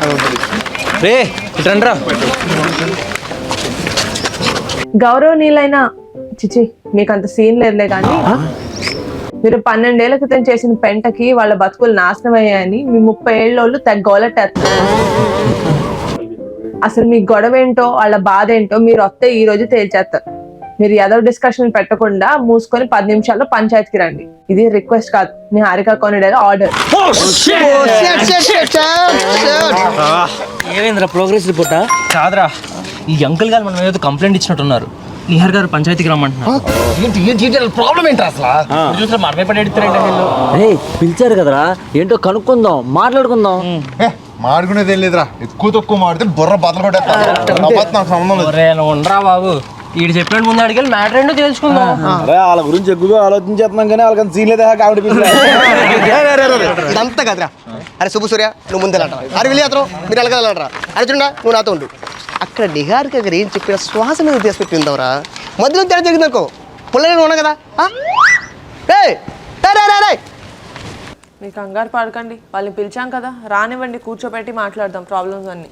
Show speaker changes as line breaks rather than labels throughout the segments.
రే ఇట్రండ్రా.
గౌరవనీయులైన చిచి మీకు అంత సీన్ లేదులే కానీ మీరు 12 ఏళ్ల క్రితం చేసిన పెంటకి వాళ్ళ బతుకులు నాశనం అయ్యాయని మీ 30 ఏళ్ళోళ్ళు గోలెట్టేస్తారు. అసలు మీ గొడవ ఏంటో వాళ్ళ బాధ ఏంటో మీరు వస్తే ఈ రోజు తేల్చేస్తారు. మీరు ఏదో డిస్కషన్ పెట్టకుండా మూసుకొని 10 నిమిషాల్లో పంచాయతీకి రండి. ఇది రిక్వెస్ట్ కాదు, మీ హారిక కొనిడేగా ఆర్డర్.
ఏమైందిరా ప్రోగ్రెస్ రిపోర్టా? కాదురా, ఈ అంకుల్ గారు మనం ఏదో కంప్లైంట్ ఇచ్చినట్టున్నారు. నిహార్ గారు పంచాయతీకి రమ్మంటున్నారు. ప్రాబ్లం ఏంటి అసలు? చూసారా మనమే పడి
పిలిచారు కదరా, ఏంటో కనుక్కుందాం, మాట్లాడుకుందాం.
మాడుకునేది ఏం లేదురా, ఎక్కువ తక్కువ మాడితే బుర్ర బద్దలు కొట్టేస్తా.
ఉండరా బాబు, వీడు చెప్పినట్టు ముందు అడిగి మ్యాటర్ ఏంటో తెలుసుకుందాం.
వాళ్ళ గురించి ఎక్కువగా ఆలోచించేస్తున్నాం కానీ వాళ్ళకి సీన్ లేదా కామెడీ.
ఇదంతా కదరా. అరే శుభ సూర్య, నువ్వు ముందెళ్ళరా. అరే వెళ్ళి అతను మీరు వెళ్ళగలరా. అరే చూడా, నువ్వు నాతో ఉండు. అక్కడ నిహార్ దగ్గర ఏం చెప్పిన శ్వాస మీద ఉద్దేశం పెట్టిందవరా. మధ్యలో తేడా జరిగిందనుకో, పుల్లనే ఉన్నా కదా.
మీ కంగారు పడకండి, వాళ్ళని పిలిచాం కదా, రానివ్వండి, కూర్చోబెట్టి మాట్లాడదాం ప్రాబ్లమ్స్ అన్ని.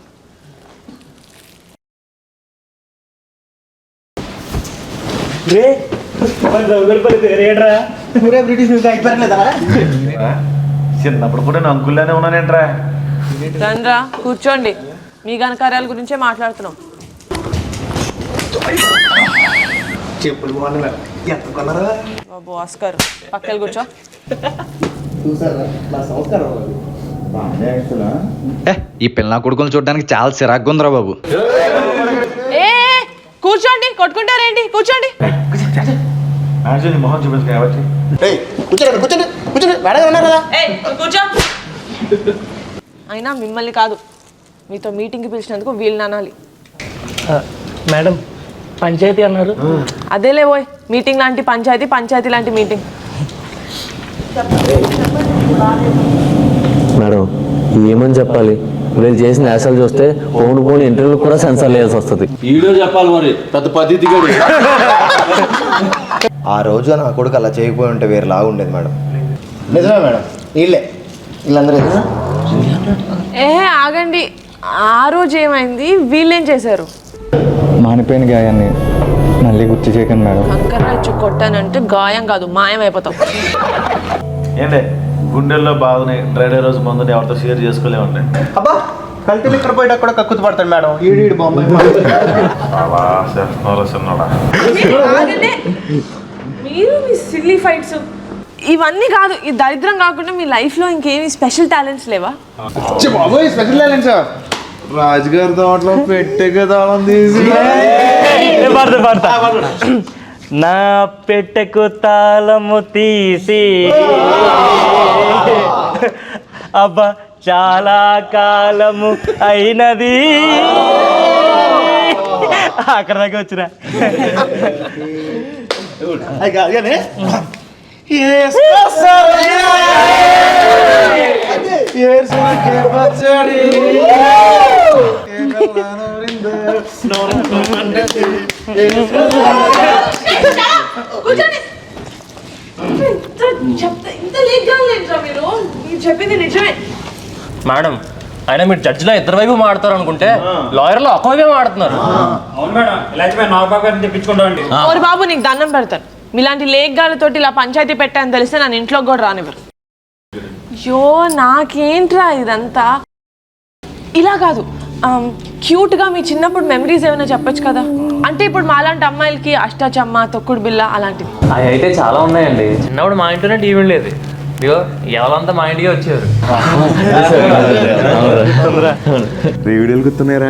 చిన్నప్పుడు కూడా నేను అంకుల్లోనే ఉన్నానేంట్రా.
రండ్రా కూర్చోండి, మీ ఘనకార్యాల గురించే మాట్లాడుతున్నాం. బాబు ఆస్కర్ పక్కన కూర్చో.
ఈ పిల్ల కొడుకులు చూడడానికి చాలా చిరాగ్గా ఉందిరా బాబు.
ఏ కూర్చోండి, కొట్టుకుంటారేంటి? కూర్చోండి.
మొహం
కూర్చోండి కూర్చోండి కూర్చోండి, వేడగా ఉన్నారు కదా.
కూర్చో. అయినా మిమ్మల్ని కాదు, మీతో మీటింగ్కి పిలిచినందుకు వీళ్ళని అనాలి.
మేడం పంచాయతీ అన్నారు.
అదేలే పోయ్, మీటింగ్ లాంటి పంచాయతీ, పంచాయతీ లాంటి మీటింగ్.
మేడం ఏమని చెప్పాలి? వీళ్ళు చేసిన యాసలు చూస్తే పోను ఇంటర్వ్యూ కూడా సెన్సార్ వేయాల్సి వస్తుంది.
వీడియో చెప్పాలి మరి, పెద్ద పద్ధతి.
ఆ రోజు నా కొడుకు అలా చేయకపోయి ఉంటే వేరేలాగా ఉండేది మేడం. నిజమే మేడం, వీళ్ళందరూ
ఆగండి. ఆ రోజు ఏమైంది? వీళ్ళేం చేశారు?
మానిపోయిన గాయాన్ని మళ్ళీ గుర్తు చేయకండి మేడం.
కంకర్రాచ్చు కొట్టానంటే గాయం కాదు, మాయం అయిపోతాం.
ఏంటే గుండెల్లో బాధని డ్రైడే రోజు ముందు ఎవరితో షేర్ చేసుకోలేమండి.
అబ్బా కల్తీలు ఇక్కడ పోయేటప్పుడు కూడా కక్కుతు పడతాడు మేడం. ఈడు బాంబే
మీరు మీ సిల్లీ ఫైట్స్ ఇవన్నీ కాదు, ఈ దరిద్రం కాకుండా మీ లైఫ్ లో ఇంకేమి స్పెషల్ టాలెంట్స్ లేవా?
స్పెషల్ టాలెంట్స్ రాజుగారి తోటలో పెట్టెగా తాళం తీసి
నా పెట్టెకు తాళము తీసి అబ్బా చాలా కాలము అయినది. అక్కడ దాకా వచ్చిన
చెప్పింది నిజమే
మేడం. అయినా మీరు జడ్జిలో ఇద్దరు వైపు మాడతారు అనుకుంటే లాయర్లో ఒక వైపే మాడుతున్నారు.
ఓరి బాబు, నీకు దండం పెడతాను. మీలాంటి లేఖగాలతోటి ఇలా పంచాయతీ పెట్టాను తెలిస్తే నన్ను ఇంట్లోకి కూడా రానివ్వరు. అయ్యో నాకేంట్రా ఇదంతా. ఇలా కాదు, క్యూట్గా మీ చిన్నప్పుడు మెమరీస్ ఏమైనా చెప్పొచ్చు కదా. అంటే ఇప్పుడు మాలాంటి అమ్మాయిలకి అష్టాచమ్మ, తొక్కుడు బిల్ల అలాంటివి
అవి అయితే చాలా ఉన్నాయండి.
చిన్నప్పుడు మా ఇంట్లోనే టీవీ లేదు. ఇదిగో ఎవరంతా మా ఇంటికి వచ్చారు.
వీడియోలు గుర్తున్నారా?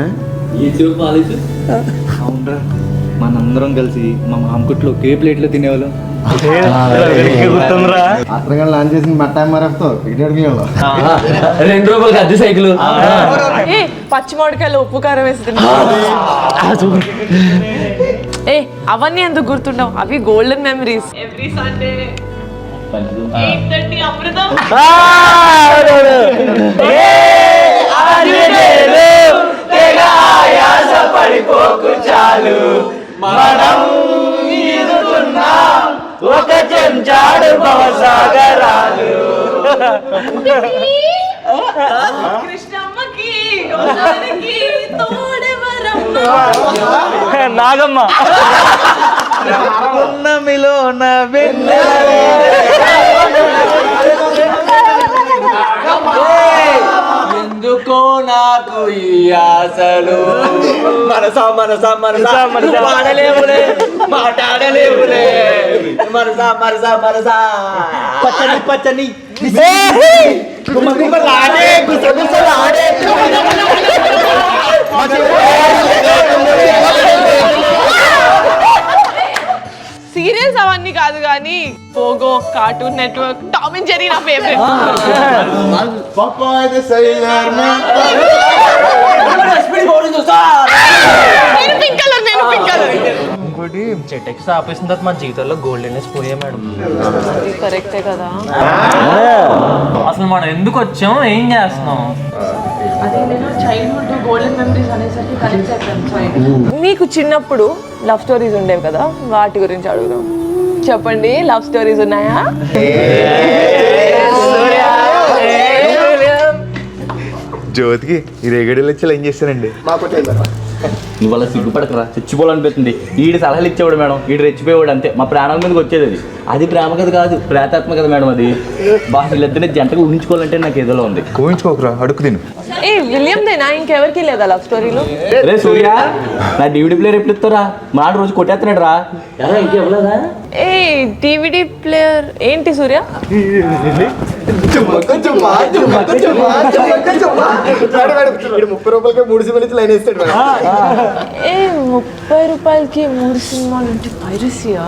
అవునరా, మనందరం కలిసి మా మామకుట్లో ఒకే ప్లేట్లో తినేవాళ్ళం.
అక్కడ లాంచ్ చేసిన మట్టా మరఫ్తో
2 రూపాయలకి అద్దె సైకిల్.
పచ్చి మామిడికాయలు ఉప్పు కారం వేసి అవన్నీ ఎందుకు గుర్తుండవు? అవి golden memories. Every Sunday 8:30 Amrutham.
ఒక చెంచాడు భవసాగరాలు.
కృష్ణమ్మకి
నాగమ్మ
ఎందుకో నాకు ఈ ఆశలు మనసా మనసా మనసా మాడలేవులే మాట్లాడలేవులే మనసా మనసా మనసా పచ్చని పచ్చని గుమ్మగుమ్మలాడే గుసగుసలాడే
సీరియల్స్ అవన్నీ కాదు కానీ Pogo, Cartoon Network, Tom and Jerry నా ఫేవరెట్. నేను పింక్ కలర్.
ఇంకోటి చెట్టెక్స్ ఆపేసిన తర్వాత మా జీవితంలో గోల్డెన్నెస్ పోయా మేడం.
కరెక్టే కదా.
అసలు మనం ఎందుకు వచ్చాం, ఏం చేస్తున్నాం?
అదే నేను చైల్డ్హుడ్ గోల్డెన్ మెమరీస్ అనేసరికి కనెక్ట్ అయిపోయాను. మీకు చిన్నప్పుడు లవ్ స్టోరీస్ ఉండేవి కదా, వాటి గురించి అడుగుదాం. చెప్పండి, లవ్ స్టోరీస్ ఉన్నాయా?
జ్యోతికి ఈ రేగడీలు వచ్చి ఏం చేస్తానండి?
నువ్వు అలా సిగ్గుపడకరా, చచ్చిపోవాలనిపిస్తుంది. ఈడు సలహాలు ఇచ్చేవాడు మేడం, ఈడు రెచ్చిపోయేవాడు అంతే. మా ప్రాణం మీదకి వచ్చేది అది. అది ప్రేమ కథ కాదు, ప్రేతాత్మ కదా మేడం అది. బాగా వీళ్ళిద్దరిని జంటగా ఊహించుకోవాలంటే నాకు ఏదోలో ఉంది.
కోయించుకోకరా, అడుగు తిను.
ఏ విలియం దేనా, ఇంకెవరికి లేదా లవ్ స్టోరీలు?
రే సూర్య, నా డివిడి ప్లేయర్ ఎప్పుడు ఇస్తారా? మా రోజు కొట్టేస్తున్నాడు రా. ఇంకెవ్వలేదా?
ఏ DVD ప్లేయర్ ఏంటి సూర్య?
₹30 3 సినిమాలు లైన్ వేస్తాడు.
ఏ ₹30కి 3 సినిమాలు అంటే పైరసీయా?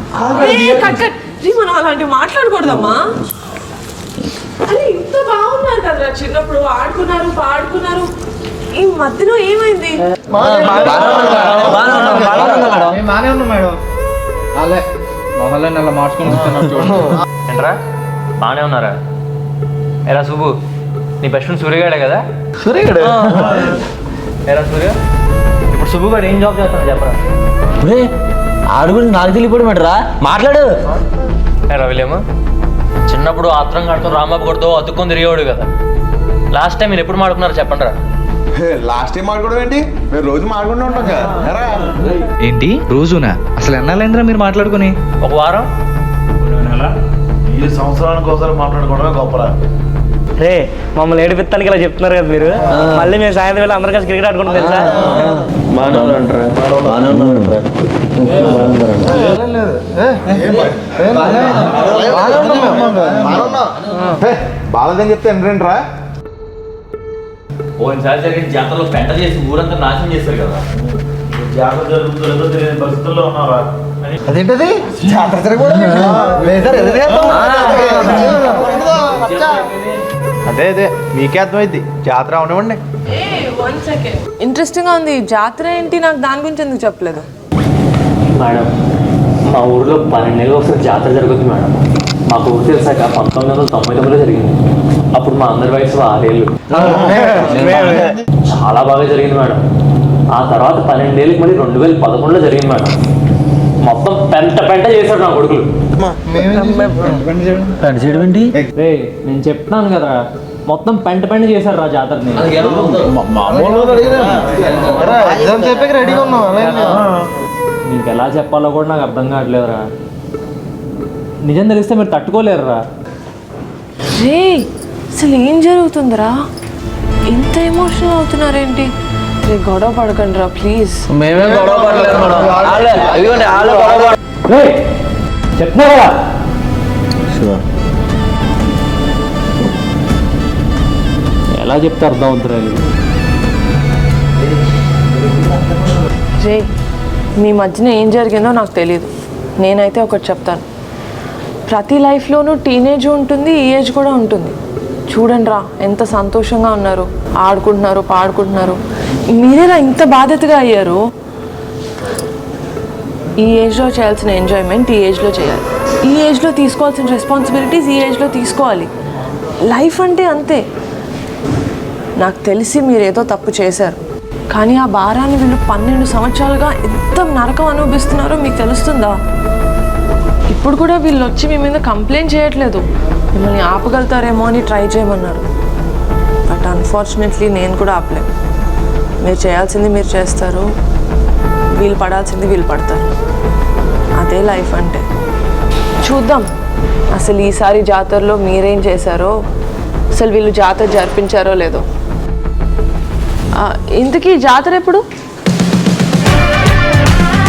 మనం అలాంటివి మాట్లాడకూడదమ్మా. అని ఇంత బాగున్నారు కదరా చిన్నప్పుడు, ఆడుకున్నారు పాడుకున్నారు. ఈ మధ్యలో ఏమైంది?
ఏంట్రా బాగానే ఉన్నారా? ఎరా సుబ్బు, నీ బెస్ట్ ఫ్రెండ్ సూర్యగాడే కదా?
సూర్యగాడు
ఎరా సూర్య, ఇప్పుడు సుబ్బు గారు ఏం జాబ్ చేస్తాను చెప్పరా?
ఆడు గురించి నాకు తెలియపోవడం ఏంట్రా, మాట్లాడు.
ఎరా విలియమ్, చిన్నప్పుడు ఆత్రం కడుతూ రాంబాబు కొడుతూ అతుక్కొని తిరిగేవాడు కదా. లాస్ట్ టైం మీరు ఎప్పుడు మాడుకున్నారో చెప్పండి రా.
లాస్ట్ టైం మాట్లాడడం ఏంటి? మేము రోజు మాట్లాడుకుంటూ ఉంటాం కదా.
ఏంటి రోజునా? అసలు ఎన్నాళ్ళైందిరా మీరు మాట్లాడుకుని?
ఒక వారం.
ఈ సంవత్సరానికి ఒకసారి మాట్లాడుకోవడమే గొప్పరా.
రే మమ్మల్ని ఏడిపిస్తానికి ఇలా చెప్తున్నారు కదా మీరు. మళ్ళీ మేము సాయంత్రం వేళ అందరు కలిసి క్రికెట్ ఆడుకుంటాం తెలుసా?
బాగాలేదని చెప్తే ఏంటరా?
ఓసారి జరిగిన జాతరలో పెంట చేసి ఊరంతా నాశనం చేస్తారు కదా.
జాతర జరుగుతుందో తెలియని పరిస్థితుల్లో ఉన్నారా?
అదేంటది జాతర
అదే అదే మీకే అర్థమైంది. జాతర అవనివ్వండి.
ఇంట్రెస్టింగ్ గా ఉంది. జాతర ఏంటి? నాకు దాని గురించి ఎందుకు చెప్పలేదు?
మేడం, మా ఊర్లో 12 నెలలు ఒకసారి జాతర జరుగుతుంది మేడం. మాకు ఊరు తెలిసాక 1999లో జరిగింది. అప్పుడు మా అందరి వయసు 6 ఏళ్ళు. చాలా బాగా జరిగింది మేడం. ఆ తర్వాత 12 ఏళ్ళకి మళ్ళీ 2011లో జరిగింది మేడం. మొత్తం పెంట చేశాడు నా కొడుకులు. రే నేను చెప్తున్నాను కదా, మొత్తం పెంట చేశారు రా జాతరని. నీకు ఎలా చెప్పాలో కూడా నాకు అర్థం కావట్లేదురా. నిజం తెలిస్తే మీరు తట్టుకోలేరురా.
రే అసలు ఏం జరుగుతుందిరా? ఇంత ఎమోషనల్ అవుతున్నారేంటి? రే గొడవ పడకండి రా ప్లీజ్.
మేమే గొడవ పడలేదు
చెప్తున్నా కదా. ఎలా చెప్తే అర్థం అవుతురా?
రే మీ మధ్యన ఏం జరిగిందో నాకు తెలియదు. నేనైతే ఒకటి చెప్తాను, ప్రతి లైఫ్లోనూ టీనేజ్ ఉంటుంది, ఈ ఏజ్ కూడా ఉంటుంది. చూడండి రా ఎంత సంతోషంగా ఉన్నారు, ఆడుకుంటున్నారు పాడుకుంటున్నారు. మీరేలా ఇంత బాధ్యతగా అయ్యారు? ఈ ఏజ్లో చేయాల్సిన ఎంజాయ్మెంట్ ఈ ఏజ్లో చేయాలి. ఈ ఏజ్లో తీసుకోవాల్సిన రెస్పాన్సిబిలిటీస్ ఈ ఏజ్లో తీసుకోవాలి. లైఫ్ అంటే అంతే. నాకు తెలిసి మీరేదో తప్పు చేశారు, కానీ ఆ భారాన్ని వీళ్ళు 12 సంవత్సరాలుగా ఎంత నరకం అనుభవిస్తున్నారో మీకు తెలుస్తుందా? ఇప్పుడు కూడా వీళ్ళు వచ్చి మీ మీద కంప్లైంట్ చేయట్లేదు, మిమ్మల్ని ఆపగలుగుతారేమో అని ట్రై చేయమన్నారు. బట్ ఆ అన్ఫార్చునేట్లీ నేను కూడా ఆపలేను. మీరు చేయాల్సింది మీరు చేస్తారు, వీళ్ళు పడాల్సింది వీళ్ళు పడతారు. అదే లైఫ్ అంటే. చూద్దాం అసలు ఈసారి జాతరలో మీరేం చేశారో, అసలు వీళ్ళు జాతర జరిపించారో లేదో. ఇంతకీ జాతర ఎప్పుడు?